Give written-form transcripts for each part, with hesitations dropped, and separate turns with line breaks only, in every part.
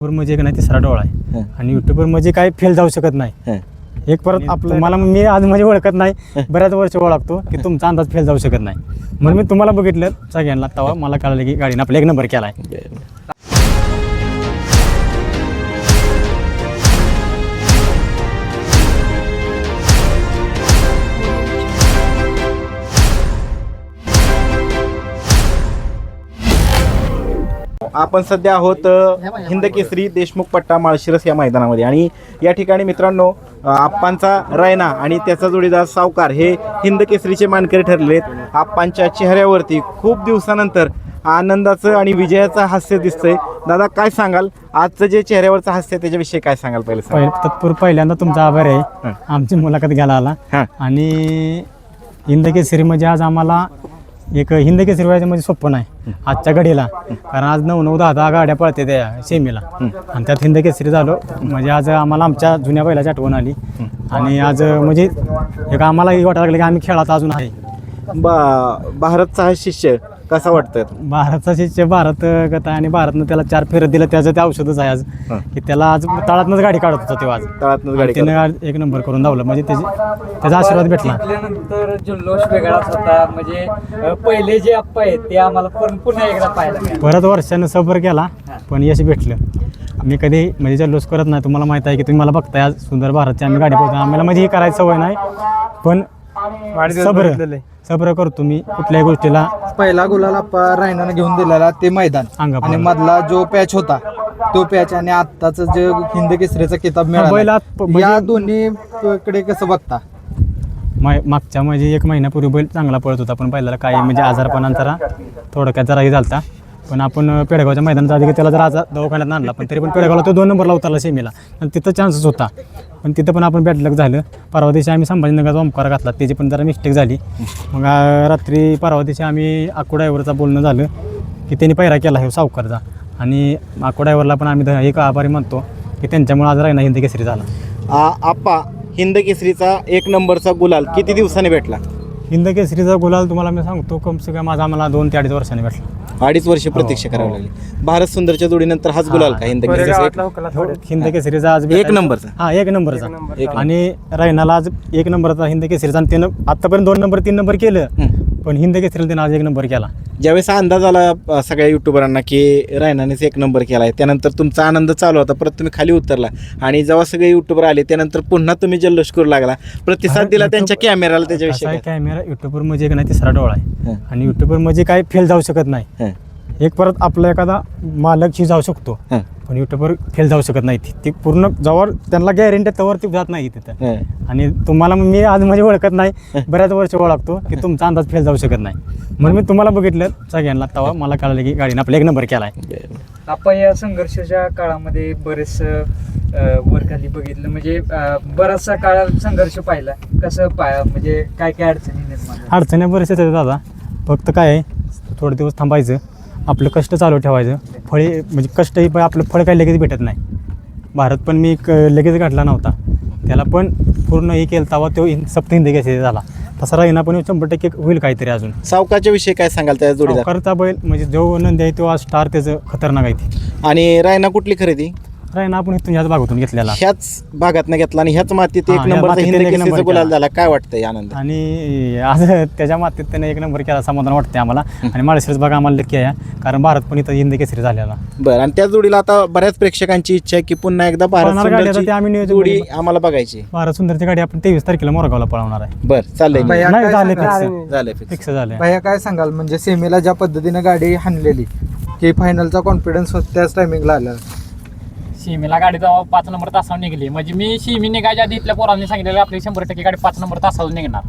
म्हणजे एक नाही तिसरा डोळा आहे आणि युट्यूबवर म्हणजे काय फेल जाऊ शकत नाही. एक परत आपलं मला मी आज म्हणजे ओळखत नाही, बऱ्याच वर्ष ओळखतो की तुमचा अंदाज फेल जाऊ शकत नाही म्हणून मी तुम्हाला बघितलं सगळ्यांना, तेव्हा मला कळलं की गाडीने आपला एक नंबर केला आहे.
आपण सध्या आहोत हिंदकेसरी देशमुख पट्टा माळशिरस या मैदानामध्ये आणि या ठिकाणी मित्रांनो आप्पांचा रैना आणि त्याचा जोडीदार सावकार हे हिंदकेसरीचे मानकरी ठरले आहेत. आप्पांच्या चेहऱ्यावरती खूप दिवसानंतर आनंदाचं आणि विजयाचं हास्य दिसतंय. दादा काय सांगाल, आजचं जे चेहऱ्यावरचं हास्य त्याच्याविषयी काय सांगाल?
तत्पूर्वी पहिल्यांदा तुमचा आभार आहे आमची मुलाखत घ्यायला आला. आणि हिंदकेसरी म्हणजे आज आम्हाला एक हिंदकेसरी व्हायचं म्हणजे सोपं नाही आजच्या घडीला, कारण आज 9-9, 10-10 गाड्या पळते त्या सेमीला आणि त्यात हिंदकेसरी झालो म्हणजे आज आम्हाला आमच्या जुन्या बैलाची आठवण आली. आणि आज म्हणजे एक आम्हालाही वाटायला लागलं की आम्ही खेळात अजून आहे.
भारतचा हा शिष्य कसा वाटतोय?
भारतचा शिष्य भारत गता आणि भारतनं त्याला 4 फेरत दिलं, त्याचं ते औषधच आहे आज की त्याला आज तळातनंच गाडी काढत होता तेव्हा, आज
तळातनंच गाडी
त्यानं एक नंबर करून धावलं म्हणजे त्याचा आशीर्वाद भेटला.
त्यानंतर जल्लोष वेगळाच होता, म्हणजे पहिले जे अप्पा आहेत ते आम्हाला पुन्हा एकदा पाहायला मिळालं.
परत वर्षानं सफर केला पण यश भेटलं. मी कधी म्हणजे जल्लोष करत नाही, तुम्हाला माहित आहे की तुम्ही मला बघताय आज सुंदर भारतची आम्ही गाडी पोहतो, आम्हाला म्हणजे ही करायची सवय नाही पण सब्र करतो मी कुठल्याही गोष्टीला.
पहिला गुलाल आप्पा रायनानं घेऊन दिलेला ते मैदान आणि मधला जो पॅच होता तो पॅच आणि आत्ताच जे हिंद केसरीचा किताब मिळाला, या दोन्ही कडे कसं बघता?
मागच्या म्हणजे 1 महिन्यापूर्वी बैल चांगला पळत होता पण पहिल्याला काही म्हणजे आजारपणांतरा थोडक्यात जराही झालता. पण आपण पेडगावच्या मैदानाचा आधी त्याला जरा दवाखान्यात आणला पण तरी पण पेडगावला तो 2 नंबरला उतरला सेमीला आणि तिथं चान्सेस होता पण तिथं पण आपण बॅडलक झालं. परवा दिवशी आम्ही संभाजीनगरचा ओमकार घातला, त्याची पण जरा मिस्टेक झाली. मग रात्री परवा दिवशी आम्ही आक्को ड्रायव्हरचा बोलणं झालं की त्यांनी पैरा केला आहे सावकारचा आणि आक्को ड्रायव्हरला पण आम्ही एक आभारी मानतो की त्यांच्यामुळे आज रायना हिंदकेसरी झाला.
आप्पा हिंदकेसरीचा 1 नंबरचा गुलाल किती दिवसांनी भेटला?
हिंदकेसरीचा गुलाल तुम्हाला मी सांगतो कम से कम माझा आम्हाला 2 ते 2.5 वर्षांनी भेटला.
2.5 वर्ष प्रतीक्षा करावी लागली. भारत सुंदरच्या जोडीनंतर हाच गुलाल का
हिंदकेसरीचा आज
1 नंबरचा?
हा 1 नंबरचा आणि रैनाला आज 1 नंबरचा हिंदकेसरीचा आणि त्यानं आतापर्यंत 2 नंबर 3 नंबर केलं पण हिंदकेसरीला त्यानं आज 1 नंबर केला.
ज्यावेळेस अंदाज आला सगळ्या युट्यूबरांना की रैनानेच 1 नंबर केला आहे त्यानंतर तुमचा आनंद चालू होता, परत तुम्ही खाली उतरला आणि जेव्हा सगळे युट्यूबर आले त्यानंतर पुन्हा तुम्ही जल्लोष करू लागला, प्रतिसाद दिला त्यांच्या कॅमेराला. त्याच्याविषयी
कॅमेरा युट्यूबवर म्हणजे एक नाही तिसरा डोळा आहे आणि युट्यूबवर म्हणजे काय फेल जाऊ शकत नाही. एक परत आपला एखादा मालकशी जाऊ शकतो पण युट्यूबवर फेल जाऊ शकत नाही. ती पूर्ण जवळ त्यांना गॅरंटी तवर ती जात नाही तिथं. आणि तुम्हाला मी आज म्हणजे ओळखत नाही, बऱ्याच वर्ष ओळखतो की तुमचा अंदाज फेल जाऊ शकत नाही म्हणून मी तुम्हाला बघितलं सगळ्यांना, तेव्हा मला कळलं की गाडीने आपला 1 नंबर केला आहे.
आपण या संघर्षाच्या काळामध्ये बरेच वर खाली बघितलं, म्हणजे बराचसा काळ संघर्ष पाहिला. कसं म्हणजे काय काय अडचणी निर्माण?
अडचणी बरेच येतात दादा, फक्त काय आहे थोडे दिवस थांबायचं, आपलं कष्ट चालू ठेवायचं. फळे म्हणजे कष्टही पण आपलं फळ काही लगेच भेटत नाही. भारत पण मी लगेच गाठला नव्हता, त्याला पण पूर्ण हे केलं तेव्हा तो सप्त हिंदकेसरी झाला. तसा रैना पण 100% होईल काहीतरी. अजून
सावकारच्या विषयी काय सांगाल? त्या जोडीदार
सावकारचा बैल म्हणजे जो नंदी आहे तो आज स्टार त्याचं खतरनाक आहे. ती
आणि रैना कुठली खरेदी?
रैना आपण इथून ह्याच भागातून घेतलेला,
ह्याच भागातनं घेतला आणि ह्याच मातीत 1 नंबरचा हिंदकेसरीचा गुलाल झाला. काय वाटतंय आनंद?
आणि आज त्याच्या मातीत त्याने 1 नंबर केला, समाधान वाटते आम्हाला. आणि माळशिरस भाग आम्हाला लक्की आहे कारण भारत पण इथं हिंदकेसरी झालेला.
बरं, आणि त्या जोडीला आता बऱ्याच प्रेक्षकांची इच्छा आहे की पुन्हा एकदा भारत सुंदरची जोडी आम्हाला बघायची.
भारत सुंदरची गाडी आपण 23 तारखेला मोरगावला पळवणार आहे.
बरं, चाललंय.
झाले फिक्स झाले.
भैया काय सांगाल, म्हणजे सेमीला ज्या पद्धतीने गाडी हाणलेली की फायनलचा कॉन्फिडन्स त्याच टायमिंगला आला?
शिमीला गाडी जेव्हा 5 नंबर तासावर निघली, म्हणजे मी शिमी निघायच्या आधी इथल्या पोरांनी सांगितलेलं आपली 100% गाडी 5 नंबर तासावर निघणार.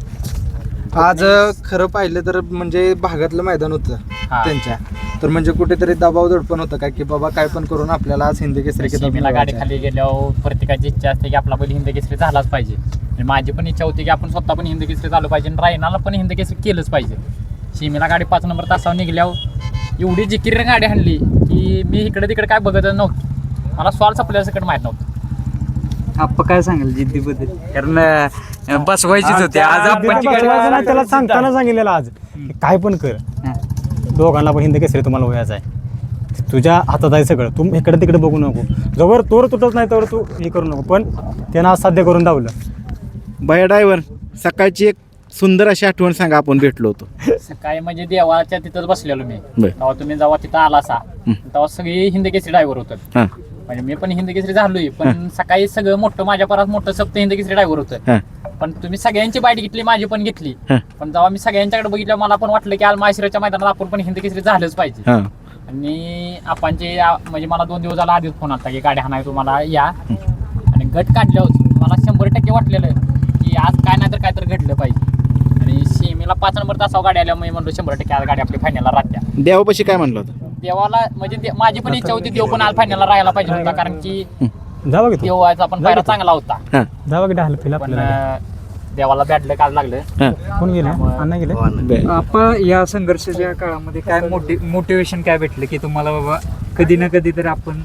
आज खरं पाहिलं तर म्हणजे भागातलं मैदान होतं त्यांच्या, तर म्हणजे कुठेतरी दबाव दडपण होतं काय की बाबा काय पण करून आपल्याला आज हिंदकेसरी
शिमीला गाडी खाली गेल्यावर प्रत्येकाची इच्छा असते की आपला बैल हिंदकेसरी झालाच पाहिजे. आणि माझी पण इच्छा होती की आपण स्वतः पण हिंदकेसरी झालो पाहिजे आणि रायनाला पण हिंदकेसरी केलंच पाहिजे. शिमीला गाडी 5 नंबर तासावर निघल्यावर एवढी जिकीर गाडी हाणली की मी इकडे तिकडे काय बघत नव्हतं, मला स्वाल आपल्याला सकट माहीत नव्हतं.
आप्पा काय सांगाल जिद्दीबद्दल? कारण बसवायचीच होती आज आप्पाची गाडी.
त्याला सांगताना सांगितलेलं आज काय पण कर, दोघांना पण हिंदकेसरी तुम्हाला व्हायचं आहे. तुझ्या हातात आहे सगळं, तू इकडे तिकडे बघू नको, जवळ तोर तुटत नाही तर तू हे करू नको. पण त्यानं आज साध्य करून दावलं.
भैया ड्रायव्हर, सकाळची एक सुंदर अशी आठवण सांगा, आपण भेटलो होतो.
सकाळी म्हणजे देवाच्या तिथंच बसलेलो मी.
बर.
तेव्हा तुम्ही जेव्हा तिथं आला असा तेव्हा सगळी हिंद केसरी ड्रायव्हर होतं.
हां
म्हणजे मी पण हिंद केसरी झालोय, पण सकाळी सगळं मोठं माझ्या परात मोठं सप्त हिंद केसरी ड्रायव्हर होतं.
हां
पण तुम्ही सगळ्यांची बाईट घेतली, माझी पण घेतली.
हां.
पण जेव्हा मी सगळ्यांच्याकडे बघितलं मला पण वाटलं की आज माहेश्वराच्या मैदानात आपण पण हिंद केसरी झालंच पाहिजे.
हां
आणि आपणचे म्हणजे मला 2 दिवस झाला आधीच फोन आला की गाडी हाणाय तुम्हाला या. आणि गट काढल्यावर मला 100% वाटलेलं की आज काय नाही तर काय तर घडलं पाहिजे. आणि सीमेला 5 नंबर तासावर गाडी आल्या, मी म्हणलो 100% आज गाडी आपली फायनलला राहत्या.
देवापाशी काय म्हणलं होतं?
देवाला म्हणजे माझी पण इच्छा होती देव पण आज फायनलला राहायला पाहिजे होता, कारण की
जावं की तू,
देवाचा पण पायरा चांगला होता.
हां
जावं की ढाल फिल
पण
आपल्याला.
देवाला बॅडलं काल लागलं.
हां
कोण गेलं? अण्णा गेले.
बरं.
आपण या संघर्षाच्या काळामध्ये काय मोटिवेशन काय भेटलं की तुम्हाला बाबा कधी ना कधी तर आपण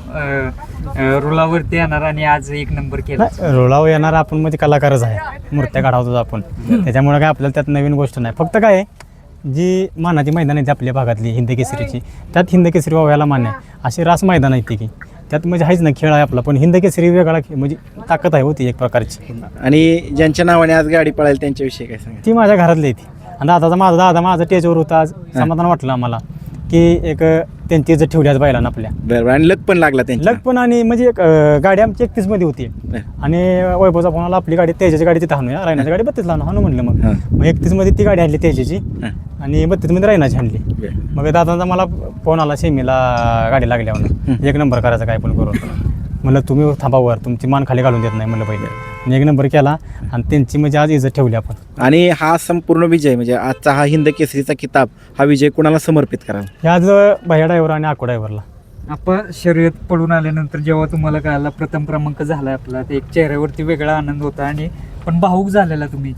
रुलावरती येणार आणि आज 1 नंबर केला?
नाही, रोलावर येणार आपण म्हणजे कलाकारच आहे, मूर्त्या काढावतो आपण, त्याच्यामुळे काय आपल्याला त्यात नवीन गोष्ट नाही. फक्त काय आहे, जी मानाची मैदान आहेत आपल्या भागातली हिंद केसरीची, त्यात हिंद केसरी व्हायला मान्य आहे. अशी रास मैदान आहेत ती की त्यात म्हणजे आहेच ना, खेळ आहे आपला, पण हिंद केसरी वेगळा म्हणजे ताकद आहे होती एक प्रकारची.
आणि ज्यांच्या नावाने आज गाडी पळायला त्यांच्याविषयी काय सांगा?
ती माझ्या घरातली ती. आणि माझा टेजवर होता आज, समाधान वाटलं आम्हाला की एक त्यांची इज्जत ठेवली आज बैलांना आपल्या.
बरं. आणि लक पण लागला त्यांच्या.
लग पण, आणि म्हणजे एक गाडी आमची 31 मध्ये होती आणि वैभवचा फोन आला आपली गाडी तेजाची गाडी तिथं हाणूया, रायनाची गाडी 32 ला हाणू म्हणलं. मग 31 मध्ये ती गाडी आणली तेजाची आणि 32 मध्ये रायनाची आणली. मग दादांचा मला फोन आला सेमीला गाडी लागल्या म्हणून 1 नंबर करायचा काय पण करून. म्हणलं तुम्ही थांबावर, तुमची मान खाली घालून देत नाही म्हणलं पहिले. आणि 1 नंबर केला आणि त्यांची म्हणजे आज इज्जत ठेवली आपण.
आणि हा संपूर्ण विजय म्हणजे आजचा हा हिंद केसरीचा किताब, हा विजय कुणाला समर्पित करा?
हे आज भैया ड्रायव्हर आणि आको ड्रायव्हरला.
आपण शर्यत पडून आल्यानंतर जेव्हा तुम्हाला कळाला प्रथम क्रमांक झाला आपला, ते एक चेहऱ्यावरती वेगळा आनंद होता आणि पण भावूक झालेला तुम्ही.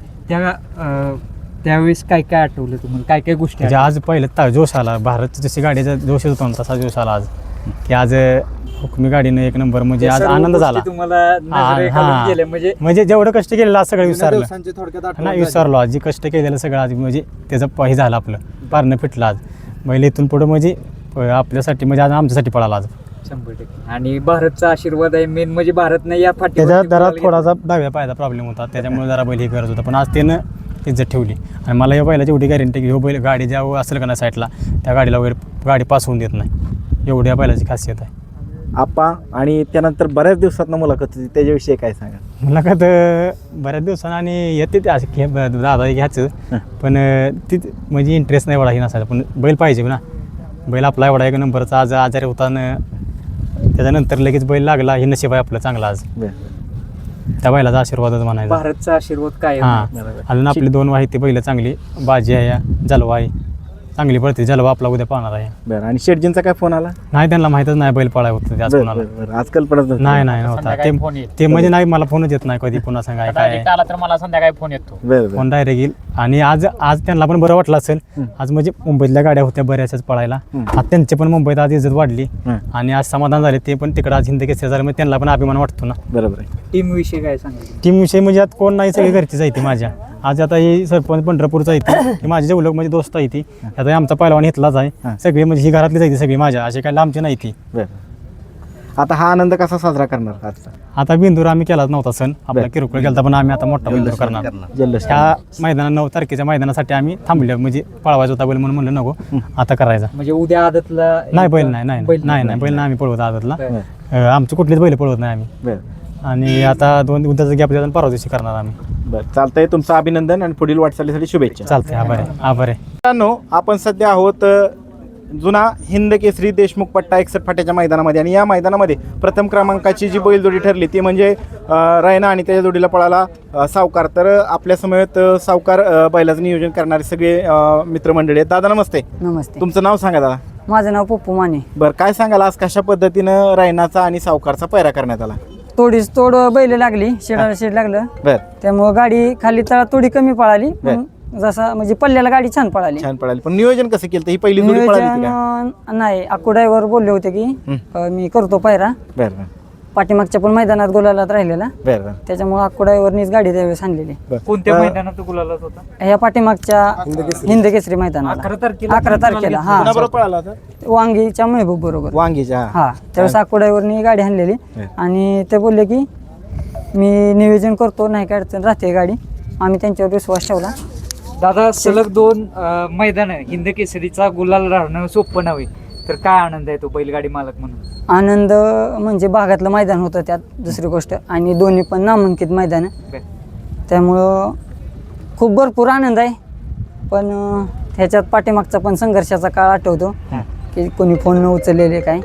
त्यावेळेस काय काय आठवलं तुम्हाला, काय काय गोष्टी
म्हणजे आज पहिलं जोश आला, भारत जशी गाडीचा जोश होता ना तसा जोश आला आज, की आज हुकमी गाडीनं 1 नंबर म्हणजे आज आनंद झाला.
तुम्हाला नजरे खालून गेल्या म्हणजे
म्हणजे जेवढं कष्ट केलेलं आज सगळं विसरलं
दिवसांची थोडक्यात आठवण
नाही,
झाली.
विसरलो आज जे कष्ट केलेलं सगळं आज म्हणजे त्याचं हे झालं, आपलं पारणं फिटलं आज. म्हणजे इथून पुढं म्हणजे आपल्यासाठी म्हणजे आज आमच्यासाठी पळाला आज.
100%. आणि भारतचा आशीर्वाद आहे मेन, म्हणजे भारतनं या
त्याच्या
फाटी
जरा थोडासा डाव्या पायाचा प्रॉब्लेम होता, त्याच्यामुळे जरा बैल हे करत होता, पण आज त्यानं इज्जत ठेवली. आणि मला या बैलाची एवढी गॅरंटी की हो बैल गाडी ज्या असेल का ना साईडला त्या गाडीला वगैरे गाडी पास होऊन देत नाही, एवढी या बैलाची खासियत आहे.
आप्पा, आणि त्यानंतर बऱ्याच दिवसात मुलाखत होती, त्याच्याविषयी काय सांगा?
मुलाखत बऱ्याच दिवसानं आणि येते ते असं दादा घ्यायचं, पण ती म्हणजे इंटरेस्ट नाही एवढा हे नसायचा, पण बैल पाहिजे ना. बैल आपला एवढा 1 नंबरचा आज आजारी होता न त्याच्यानंतर लगेच बैल लागला, हे नशीब आहे आपलं चांगलं आज. त्या बैलाचा आशीर्वादच म्हणायचा.
भारतचा आशीर्वाद काय
हां, अजून आपली 2 वाहिती बैल चांगली, बाजी आहे, जलवा आहे, चांगली पडते. जलवा आपला उद्या पाहणार आहे.
बरं. आणि शेटजींचा काय फोन आला?
नाही, त्यांना माहीतच नाही बैल पळाय होतं आज कोणाला.
आजकाल पडत
नाही नव्हता
संध्याकाळी फोन येईल.
ते म्हणजे नाही, मला फोनच येत नाही कधी पुन्हा सांगाय काय.
डायरेक्ट आला तर मला संध्याकाळी फोन येतो.
बरं.
फोन डायरेक्ट येईल. आणि आज त्यांना पण बरं वाटलं असेल, आज म्हणजे मुंबईतल्या गाड्या होत्या बऱ्याचशाच पळायला, आज त्यांचे पण मुंबईत आज इज्जत वाढली आणि आज समाधान झाले. ते पण तिकडं आज हिंद केसरी झालं, म्हणजे त्यांना पण अभिमान वाटतो ना.
बरोबर आहे.
टीम विषयी काय सांगायचं?
टीम विषयी म्हणजे आता कोण नाही, सगळी घरचीच आहे ती माझ्या. आज आता ही सरपंच पंढरपूरचा आहे ती माझी जेवढं म्हणजे दोस्त आहे ती, आता आमचा पहिलवान इथलाच आहे, सगळी म्हणजे ही घरातलीच आहे ती सगळी माझ्या, अशी काय लांबची नाही ती.
बरं. आता हा आनंद कसा साजरा करणार आजचा?
आता बिंदूर आम्ही केलाच नव्हता सण, आपला किरकोळ केला, पण आम्ही आता मोठा बिंदूर करणार.
जल्लोष.
ह्या मैदाना 9 तारखेच्या मैदानासाठी आम्ही थांबले, म्हणजे पळवायचा होता बैल म्हणून म्हणलं नको आता करायचा.
म्हणजे उद्या आदतला
नाही बैल नाही बैल नाही आम्ही पळवत आदतला, आमची कुठलीच बैल पळवत नाही आम्ही.
बरं.
आणि आता 2 उद्याचा गॅप देऊन परवा दिवशी करणार आम्ही.
बरं, चालतंय. तुमचं अभिनंदन आणि पुढील वाटचालीसाठी शुभेच्छा.
चालतंय, आभार आहे, आभार आहे.
मित्रांनो, आपण सध्या आहोत जुना हिंद केसरी देशमुख पट्टा 61 फाट्याच्या मैदानामध्ये, आणि या मैदानामध्ये प्रथम क्रमांकाची जी बैलजोडी ठरली ती म्हणजे रायना आणि त्याच्या जोडीला पळाला सावकार. तर आपल्या समवेत सावकार बैलाचं नियोजन करणारे सगळे मित्रमंडळी आहेत. दादा नमस्ते.
नमस्ते,
तुमचं नाव सांगा दादा.
माझं नाव पप्पू माने.
बरं, काय सांगाल आज कशा पद्धतीनं रायनाचा आणि सावकारचा पैरा करण्यात आला?
तोडीच तोड बैल लागली, शेडाला शेड लागलं,
बरं.
त्यामुळं गाडी खाली तळा थोडी कमी पळाली, पण जसा म्हणजे पल्ल्याला गाडी छान पळाली.
छान पळाली. पण नियोजन कसं केलं? ही पहिली जोडी पळाली होती का?
नियोजन नाही, आकू ड्रायव्हर बोलले होते की मी करतो पायरा.
बरं.
पाठीमागच्या पण मैदानात गुलालात राहिलेला,
बरं बरं
त्याच्यामुळे आकुडाईवरनीच गाडी त्यावेळेस आणलेली.
कोणत्या मैदानात गुलालात होता?
ह्या पाठीमागच्या हिंद केसरी मैदानाला 11 तारखेला हा
कुणाबरोबर पळाला होता?
वांगीच्या महबूब बरोबर.
वांगीच्या
हा त्यावेळेस आकुडाईवरनी गाडी आणलेली
हं.
आणि ते बोलले की मी नियोजन करतो, नाही काय अडचण राहते गाडी. आम्ही त्यांच्यावर विश्वास ठेवला.
दादा सलग 2 मैदान हिंद केसरीचा गुलाल राहणं सोपं नव्हे, तर काय आनंद आहे तो बैलगाडी मालक म्हणून?
आनंद म्हणजे भागातलं मैदान होतं त्यात, दुसरी गोष्ट, आणि दोन्ही पण नामांकित मैदान आहे, त्यामुळं खूप भरपूर आनंद आहे. पण ह्याच्यात पाठीमागचा पण संघर्षाचा काळ आठवतो की कोणी फोन न उचललेले काय.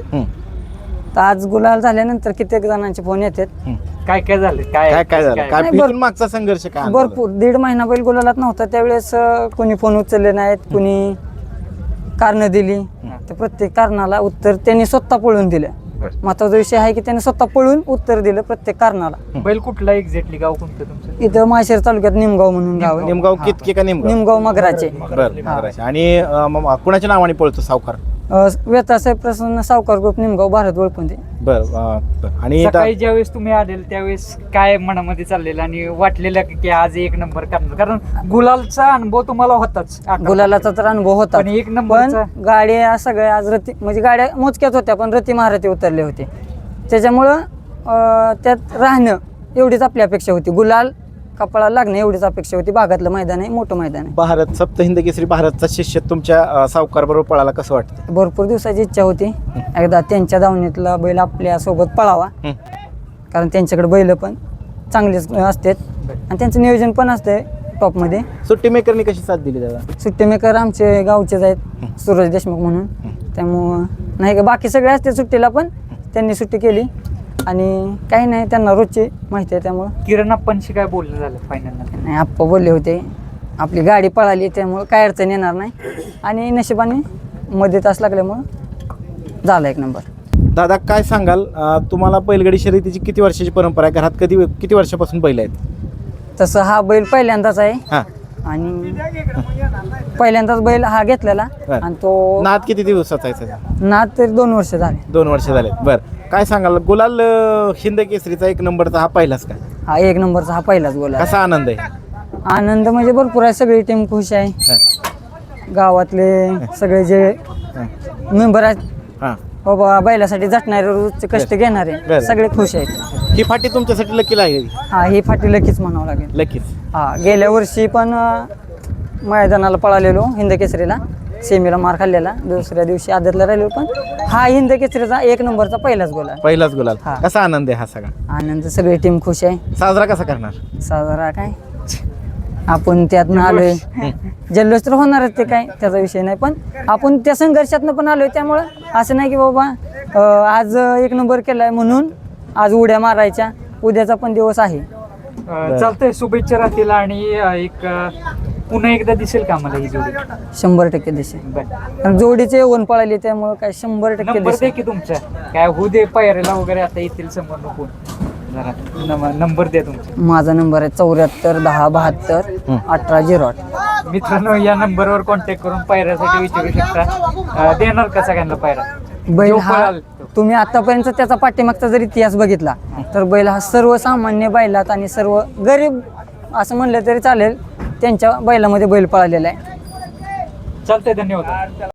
तर आज गुलाल झाल्यानंतर कित्येक जणांचे फोन येतात.
काय काय झालं?
काय काय झालं? काय
नाही,
इथून मागचा संघर्ष काय अनुभवला?
भरपूर 1.5 महिना बैल गुलालात नव्हता त्यावेळेस कोणी फोन उचलले नाहीत, कोणी कारणं दिली. तर प्रत्येक कारणाला उत्तर त्यांनी स्वतः पळून दिलं. महत्वाचा विषय आहे की त्यांनी स्वतः पळून उत्तर दिलं प्रत्येक कारणाला.
बैल कुठला एक्झॅक्टली, गाव कोणतं तुमचं?
इथं माहेर तालुक्यात निमगाव म्हणून गाव आहे.
निमगाव कितके का निमगाव?
निमगाव मगराचे.
बरं. आणि कुणाच्या नावाने पळतो सावकार?
व्यतासाहेब प्रसन्न सावकार ग्रुप निमगाव, भारत वळपुंदे.
बरं. आणि
सकाळी ज्यावेळेस तुम्ही आलेल त्यावेळेस काय मनामध्ये चाललेलं आणि वाटलेलं की आज 1 नंबर करणार? कारण गुलालचा अनुभव तुम्हाला होताच,
गुलालाचा तर अनुभव होता,
पण 1
पण
नंबरचा
गाड्या सगळ्या आज रती म्हणजे गाड्या मोजक्याच होत्या, पण रती महारथी उतरले होते. त्याच्यामुळं त्यात राहणं एवढीच आपली अपेक्षा होती. गुलाल कपाळाला लागणं एवढीच अपेक्षा होती. भागातलं मैदान आहे, मोठं मैदान आहे.
भारत सप्त हिंद केसरी भारतचा शिष्य तुमच्या सावकार बरोबर पळाला, कसं वाटतं?
भरपूर दिवसाची इच्छा होती एकदा त्यांच्या दावणीतला बैल आपल्या सोबत पळावा, कारण त्यांच्याकडे बैल पण चांगलेच असतात आणि त्यांचं नियोजन पण असते टॉपमध्ये.
सुट्टी मेकरनी कशी साथ दिली दादा?
सुट्टी मेकर आमचे गावचेच आहेत, सूरज देशमुख म्हणून. त्यामुळं नाही का बाकी सगळे असते सुट्टीला, पण त्यांनी सुट्टी केली आणि काही नाही, त्यांना रोजची माहिती आहे. त्यामुळं
किरण अप्पांशी काय बोलणं झालं फायनलला?
नाही, आप्पा बोलले होते आपली गाडी पळाली त्यामुळं काय अडचण येणार नाही आणि नशिबाने मध्ये तास लागल्यामुळं झाला 1 नंबर.
दादा काय सांगाल, तुम्हाला बैलगाडी शर्यतीची किती वर्षाची परंपरा आहे? घरात किती वर्षापासून बैल आहेत?
तसं हा बैल पहिल्यांदाच आहे
हां.
आणि पहिल्यांदाच बैल हा घेतलेला आणि तो
नाद किती दिवसाचा आहे त्याचा?
नाद तरी 2 वर्ष झाले.
2 वर्ष झाले. बरं. काय सांगाल, गुलाल हिंद केसरीचा 1 नंबरचा हा पहिलाच का?
हा 1 नंबरचा हा पहिलाच गोल आहे.
कसा आनंद आहे?
आनंद म्हणजे भरपूर आहे, सगळी टीम खुश आहे. गावातले सगळे जे मेंबर आहेत,
हां.
बाबा बैलासाठी झटणारे, रोजचे कष्ट
बरं.
घेणारे सगळे खुश आहेत.
ही फाटी तुमच्यासाठी लकीला आहे?
हा ही फाटी लकीच म्हणावं लागेल.
लकीच.
हा गेल्या वर्षी पण मैदानाला पळालेलो हिंद केसरीला, सेमीला मार खाल्लेला, दुसऱ्या दिवशी आदतला राहिलो, पण हा हिंद केसरीचा 1 नंबरचा पहिलाच गोल आहे.
पहिलाच गुलाल.
हां.
कसा आनंद आहे हा सगळा?
आनंद सगळी टीम खुश आहे.
साजरा कसा करणार?
साजरा काय आपण त्यातनं आलोय, जल्लोष तर होणारच, ते काय त्याचा विषय नाही, पण आपण त्या संघर्षातनं पण आलोय. त्यामुळं असं नाही की बाबा आज 1 नंबर केलाय म्हणून आज उड्या मारायच्या, उद्याचा पण दिवस आहे.
चालतंय, शुभेच्छा राहतील आणि एक पुन्हा एकदा दिसेल का मला ही जोडी?
100% दिसेल.
बरं.
कारण जोडीचे ओन पळाली त्यामुळं काय 100%
नंबर दे
दिसेल.
की तुमचा, काय होऊ दे पायऱ्याला वगैरे आता येतील समोर नको, जरा नंबर द्या तुमचा.
माझा नंबर आहे 74 10 72 18 08.
मित्रांनो, या नंबरवर कॉन्टॅक्ट करून पायऱ्यासाठी विचारू शकता. देणार का सगळ्यांना पायरा?
बैल
जो
हा
पळाल
तुम्ही आतापर्यंत त्याचा पाठीमागचा जर इतिहास बघितला तर बैल हा सर्वसामान्य बैलात आणि सर्व गरीब असं म्हणलं तरी चालेल, त्यांच्या बैलामध्ये बैल पळालेला आहे.
चालतंय, धन्यवाद.